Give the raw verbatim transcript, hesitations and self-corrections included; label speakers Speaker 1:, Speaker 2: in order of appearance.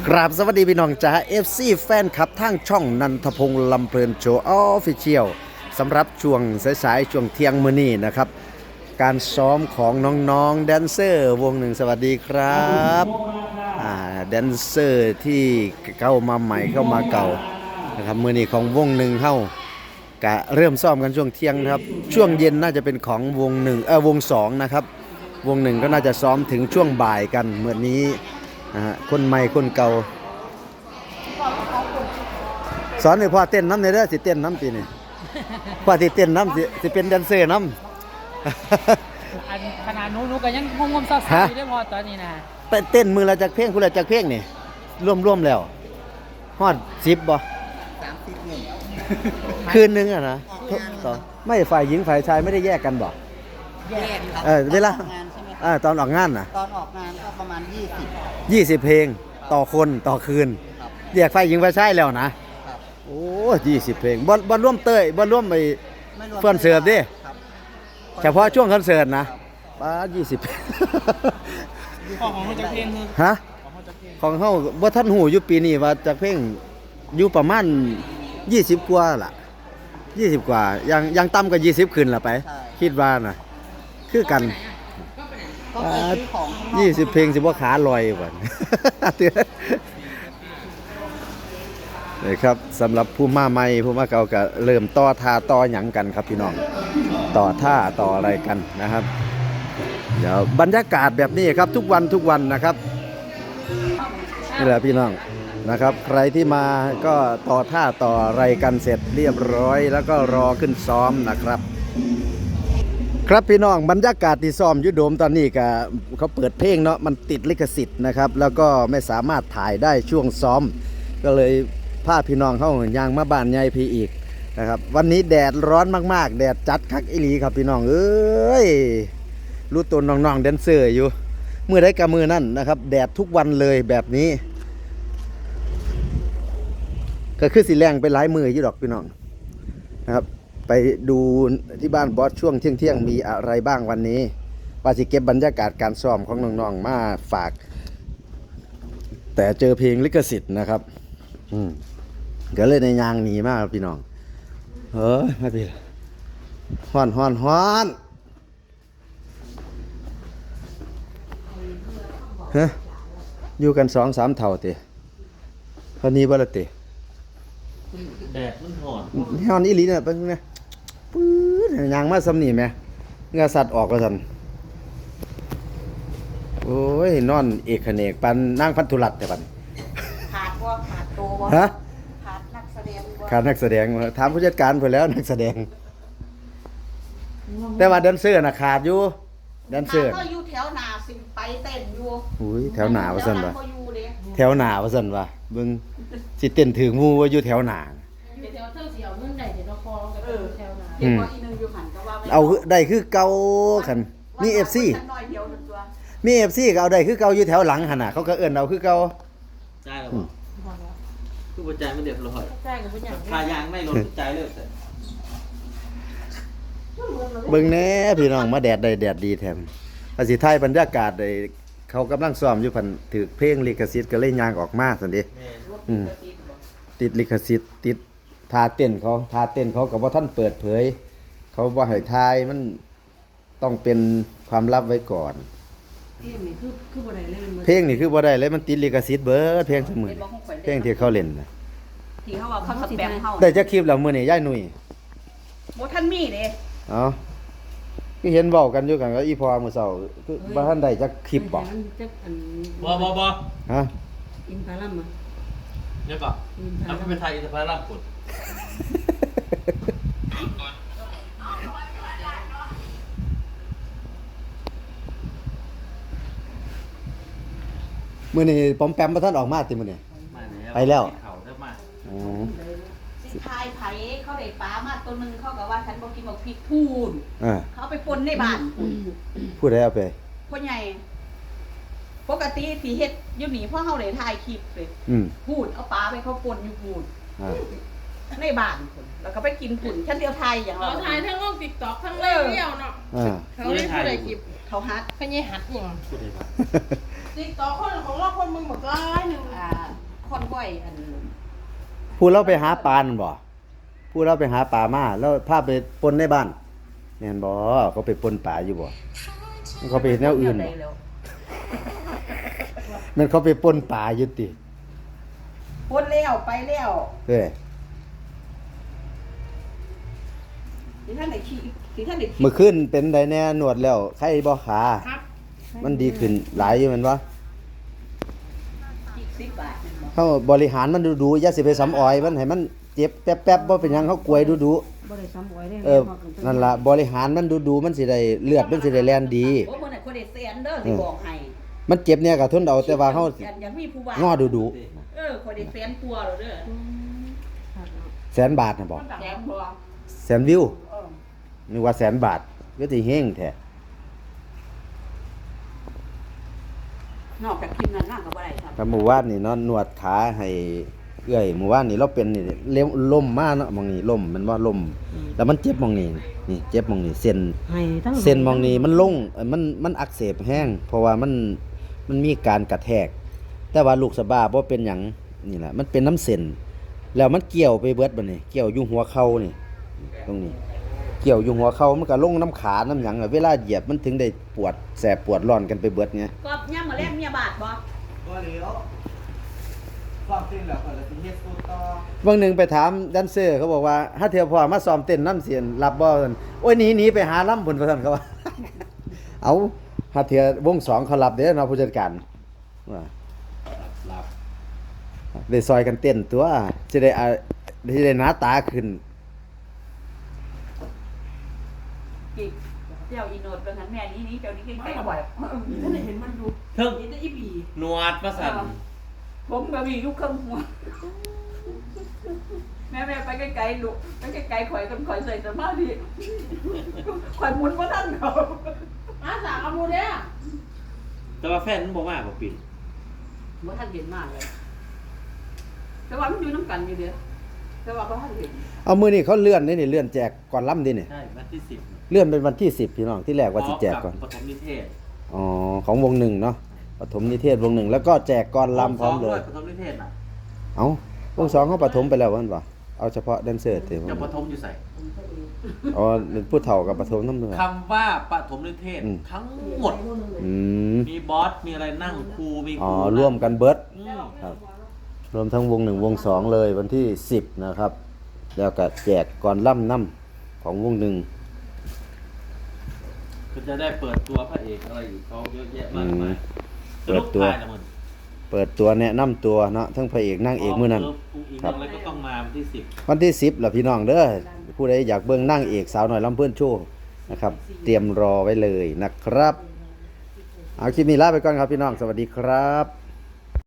Speaker 1: กราบสวัสดีพี่น้องจ้า เอฟ ซี แฟนคลับทางช่องนันทพงษ์ลำเพลินโชว์ออฟฟิเชียลสำหรับช่วงสายๆช่วงเที่ยงมื้อนี้นะครับการซ้อมของน้องๆแดนเซอร์วงหนึ่งสวัสดีครับแดนเซอร์ที่เข้ามาใหม่เข้ามาเก่านะครับมื้อนี้ของวงหนึ่งเข้ากะเริ่มซ้อมกันช่วงเที่ยงนะครับช่วงเย็นน่าจะเป็นของวงหนึ่งเออวงสองนะครับวงหนึ่งก็น่าจะซ้อมถึงช่วงบ่ายกันเมื่อนี้นะฮะคนใหม่คนเก่าสอนให้พ่อเต้นน้ำในเด้อสิเต้นน้ำปีนี่พ่อสิเต้นน้ำสิสิเป็นแดนเซอร์น้ำ
Speaker 2: อันขนาดนู้นู้ก็ยังงงๆซ่าๆอยู่ได้พอตอนนี้นะ
Speaker 1: เต้นมือละจากเพลงคุณละจากเพลงนี่ร่วมๆแล้วฮอดสิบบ่
Speaker 3: สามสิบหนึ่ง
Speaker 1: คืนนึงอะนะไม่ฝ่ายหญิงฝ่ายชายไม่ได้แยกกันบ่
Speaker 3: แยกครับ
Speaker 1: เออเวลา
Speaker 3: ตอนออกงานใช่ไหม
Speaker 1: เออตอนออกงานน่ะ
Speaker 3: ตอนออกงานก็ประมาณยี่สิบ
Speaker 1: ยี่สิบเพลงต่อคนต่อคืนแยกฝ่ายหญิงฝ่ายชายแล้วนะโอ้ยี่สิบเพลงบ่บ่ร่วมเต้ยบ่ร่วมไปเพื่อนเสิร์ฟดิเฉพาะช่วงคอนเสิร์ตนะป้ายี่สิบ
Speaker 2: ของของจากเพลงคือ
Speaker 1: ฮะของเฮาบ่ทันหูอยู่ปีนี้ว่าจากเพลงอยู่ประมาณยี่สิบกว่าล่ะยี่สิบกว่ายังยังต่ำกว่ายี่สิบขึ้นล่ะไปคิดว่าน่ะคือกันยี่สิบเพลงสิบ่ขาลอยบ่นี่ครับสำหรับผู้มาใหม่ผู้มาเก่าก็เริ่มต่อท่าต่อหยังกันครับพี่น้องต่อท่าต่ออะไรกันนะครับเดี๋ยวบรรยากาศแบบนี้ครับทุกวันทุกวันนะครับนี่แหละพี่น้องนะครับใครที่มาก็ต่อท่าต่ออะไรกันเสร็จเรียบร้อยแล้วก็รอขึ้นซ้อมนะครับครับพี่น้องบรรยากาศที่ซ้อมยุโดมตอนนี้ก็เขาเปิดเพลงเนาะมันติดลิขสิทธิ์นะครับแล้วก็ไม่สามารถถ่ายได้ช่วงซ้อมก็เลยพาพี่น้องเข้ายางมาบ้านใหญ่พี่อีกนะครับวันนี้แดดร้อนมากๆแดดจัดคักอีหลีครับพี่น้องเอ้ยรู้ตัวน้องๆแดนเซอร์อยู่มือได้กับมือนั่นนะครับแดดทุกวันเลยแบบนี้ก็คือสีแรงไปหลายมืออยู่ดอกพี่น้องนะครับไปดูที่บ้านบอสช่วงเที่ยงๆมีอะไรบ้างวันนี้ปาสิเก็บบรรยากาศการซ้อมของน้องๆมาฝากแต่เจอเพลงลิขสิทธิ์นะครับอืมก็เลยในยางหนีมากพี่น้องเฮ้ยมาพี่ฮ้อนฮ้อนฮ้อนฮะอยู่กันสองสามเท่าเตะพอนี้บ่ละเตะ
Speaker 2: แดดมันหอน
Speaker 1: ฮ้อนอีหลีเนี่ยเป็นไงปื๊ดยางมาซ้ำนี่ไหมเงาสัตว์ออกก็สันโอ้ยนอนเอกเขนกปันนั่งพันธุรัตแต่ปัน
Speaker 3: ขาดว่าขาดโตว
Speaker 1: ฮะ
Speaker 3: ขาดนักแสดง
Speaker 1: ขาดนักแสดงถามผู้จัดการเพิ่นแล้วนักแสดงแต่ว่าแดนเซอร์น่ะขาดอยู่แดนเซอร์
Speaker 3: ก็อยู่แถวหน้าสิไปเต้นอยู่
Speaker 1: อุ้ยแถวหน้าว่าซั่นว่ะแถวหน้าว่าซั่นว่ะเบิ่งสิเต้นถึงหมู่ว่าอยู่แถวหน้า
Speaker 2: อยู่แถวเทิงสิเอาเงินได้เดี๋ยวเราคอกันแถวหน้า
Speaker 3: เดี๋ยวพออีนึงอยู่หันก็ว่า
Speaker 1: เอาได้คือเก่าคั่นมี เอฟ ซี มี เอฟ ซี ก็เอาได้คือเก่าอยู่แถวหลังหั่นน่ะเขาก็เอิ้นเอาคือเก่า
Speaker 2: จ่ายแล้วบ่คือบ่จ่ายมันเรียบร้อยจ่ายก็บ่หยังค่ายางไม่ลดจ่ายเลย
Speaker 1: เบิ่งแน่พี่น้องมาแดดได้แดดดีแถมอาสิถ่ายบรรยากาศได้เขากำลังซ้อมอยู่พันถือเพลงลิขสิทธิ์ก็เลยยางออกมาซั่นดิอืมติดลิขสิทธิ์ติดท่าเต้นเขาท่าเต้นเขาก็บ่ทันเปิดเผยเขาบ่ให้ถ่ายมันต้องเป็นความลับไว้ก่อนเพลงนี่คือคือบ่ได้เลยเพลงนี่คือบ่ได้เลยมันติดลิขสิทธิ์เบิดเพลงซุมื้อเพลงที่เขาเล่นน่ะ
Speaker 3: ที่เขาว่าเขาสแปมเฮา
Speaker 1: ได้จักคลิปแล้วมื้อนี้ยายหนุ่ย
Speaker 3: บ่ทันมีเด้
Speaker 1: เอ้าคือเห็นเว้ากันอยู่กันก็อีพอมื้อเช้าคือบ่ทันได้จักคลิปบ่
Speaker 2: บ่บ่บ่
Speaker 1: ฮะ
Speaker 4: อินพารัมอ่ะ
Speaker 2: เดี๋ยวก่อนเอาไปเป็นไทยอินพารัมพุ่น
Speaker 1: มื้อนี้ปอมแปมบ่ทันออกมาติมื้อนี้ไปแล้วอ๋อ
Speaker 3: สิทายไผเขาได้ปลามาตัวนึงเขาก็ว่าฉันบ่กินบักพริกพูนเขาไปปนในบ้าน
Speaker 1: พูดได้เอาไป
Speaker 3: พ่อใหญ่ปกติสิเฮ็ดอยู่นี่เพราะเฮาได้ถ่ายคลิปเลยพูดเอาปลาไปเขาปนอยู่พูนในบ้านพุ่นแล้วก็ไปกินพุ่นฉันเดียวไทยอย่างเรา
Speaker 4: ถ่ายทั้งลง TikTok ทั้งเลี้ยวเนาะเขาได้ผู้ใดคลิป
Speaker 3: เขาฮัด
Speaker 4: เขาใหญ่ฮัดหยัง TikTok คนของเราคนมึงบักหลายนึงอ่า
Speaker 3: คอนก้อยอัน
Speaker 1: ผู้เราไปหาปลานั่นบ่ผู้เราไปหาปลามาแล้วพาไปปนในบ้านแม่นบ่เขาไปปนปลาอยู่บ่มันเขาไปเฮ็ดแนวอื่นบ่มันเขาไปปนปลาอยู่ติ
Speaker 3: ปนแล้วไปแล้ว
Speaker 1: เอ้ย
Speaker 3: ที่ท่านได้ขี้ที่ท่านได้ขี้
Speaker 1: เมื่อคืนเป็นไดแน่นวดแล้วใครบ่ขา
Speaker 4: ครับ
Speaker 1: มันดีขึ้นหลายอยู่แม่นบ่
Speaker 3: ขี้สิบบาทนั่นบ่
Speaker 1: เฮาบริหารมันดูๆอย่าสิไปซ้ำอ้อยมันให้มันเจ็บแป๊บๆบ่เป็นหยังเฮากลวยดู
Speaker 5: บ่ได้ซ้ำอ้อยได้
Speaker 1: ๆเออนั่นล่ะบริหารมันดูๆมันสิได้เลือดมันสิได้แล่นดี
Speaker 3: โอ้มื้อนั้นคนได้แสนเด้อสิบอกให้
Speaker 1: มันเจ็บเนี่ยก็ทนเอาแต่ว่าเฮา
Speaker 3: อันอยังมีผู้ว่าง
Speaker 1: อดู
Speaker 3: เออคนได้แสนกลัวาแล้วเด้อ
Speaker 1: ๆแสนบาทน่ะบ่
Speaker 3: แสนบ่
Speaker 1: แสนวิว
Speaker 3: เออ
Speaker 1: นึกว่าแสนบาทก็สิเฮงแท้
Speaker 3: นอกจากคลิปนั้นนั่งก็บ่ได้ครับ
Speaker 1: ครับหมู่บ้านนี่เนาะนวดขาให้เอื้อยหมู่บ้านนี่เราเป็นนี่เล้มล่มมาเนาะหมองนี้ล่มมันว่าล่มแล้วมันเจ็บหมองนี้นี่เจ็บหมองนี้เส้น
Speaker 5: ให้ทั้ง
Speaker 1: เส้นหมองนี้มันลงเอ่อมันมันอักเสบแห้งเพราะว่ามันมันมีการกระแทก แต่ว่าลูกสะบ้าบ่เป็นหยังนี่แหละมันเป็นน้ำเส้นแล้วมันเกี่ยวไปเบิดบัดนี้เกี่ยวอยู่หัวเข่านี่ตรงนี้ เกี่ยวอยู่หัวเข่ามันก็ลงน้ำขาน้ำหยังอะเวลาเหยียบมันถึงได้ปวดแสบปวดร้อนกันไปเบิดไง
Speaker 3: ก็ย่ำมาแลกเมียบาทบ่
Speaker 2: ก็เลี้ยวความจริงแล้วก็เลยเป็นเฮ็ดสู้ต่อ
Speaker 1: บางหนึ่งไปถามแดนเซอร์เขาบอกว่าถ้าเทียวพอมาซ้อมเต้นน้ำเสียนรับบ่ซั่นโอ้ยหนีหนีไปหาล่ำผลประทันเขาว่า เอาถ้าเทียววงสองเขารับเด้อเนาะผู้จัดการว่า
Speaker 2: หลับ
Speaker 1: ได้ซอยกันเต้นตัวจะได้อ่าจะได้หน้าตาขึ้น
Speaker 3: อีกเจ้าอีโนดเป็นหันแม่นี้นี้เจ้านี้ใกล้ๆบ่อย
Speaker 5: ท่านเห็นมันดู
Speaker 2: เทิง
Speaker 5: เห็นแต่อีบี
Speaker 2: หนวดประสัน
Speaker 3: ผมก็มีลูกเครื่องหัวแม่แม่ไปไกลๆลูกไปไกลๆข่อยกันข่อยใส่สมาธิข่อยหมุนบ่ทันเขา
Speaker 4: มาสามอามูเด้อ
Speaker 2: แต่ว่าแฟนมันบอกว่าบ่ปิด
Speaker 3: บ่ทันเห็นมากเลย แต่ว่ามันอยู่น้ำกันอยู่เด้อแต่ว่าบ่ทันเห็น
Speaker 1: เอามือนี่เขาเลื่อนนี่นี่เลื่อนแจกก่อนล่ำดินี่
Speaker 2: ใช่วันที่สิบ
Speaker 1: เลื่อนเป็นวันที่สิบพี่น้องที่แรกว่าสิแจกก่อน
Speaker 2: ปฐมนิเทศ
Speaker 1: อ๋อของวงหนึ่งเนาะปฐมนิเทศวงหนึ่งแล้วก็แจกก่อนล่ำพร้อมเลย
Speaker 2: ปฐมนิเทศน่ะ
Speaker 1: เอาวงสองเขาปฐมไปแล้ววันป่ะเอาเฉพาะแดนเซอร์เถอะ
Speaker 2: จะปฐมอยู่ใส่
Speaker 1: อ๋อผู้เฒ่ากับปฐมน้ำเนื้อ
Speaker 2: คำว่าปฐมนิเทศ
Speaker 1: อืม
Speaker 2: ทั้งหมด
Speaker 1: อืม
Speaker 2: มีบอส มีอะไรนั่งครู มีค
Speaker 1: อ๋อ
Speaker 2: รู
Speaker 1: ร่วมกันเบิร์ด
Speaker 2: อืม
Speaker 1: ครับรวมทั้งวงหนึ่งวงสองเลยวันที่สิบนะครับ แล้วก็แจกก่อนล่ำน้ำของวงหนึ่ง
Speaker 2: ก็จะได้เปิดตัวพระเอกอะไรอยู่เขาเยอะแยะมากมาย
Speaker 1: เปิดตัว
Speaker 2: สนุกทายนะมึง
Speaker 1: เปิดตัวแนะนำตัวเนาะทั้งพระเอกนางเอกมื้อนั้น
Speaker 2: อุ้งอิง
Speaker 1: ครับ
Speaker 2: อะไรก็ต้องมาวันที่สิบ
Speaker 1: วันที่สิบล่ะพี่น้องเด้อผู้ใดอยากเบิ่งนางเอกสาวน้อยลำเพื่อนโชว์นะครับ เตรียมรอไว้เลยนะครับ เอาคลิปนี้ลาไปก่อนครับพี่น้องสวัสดีครับ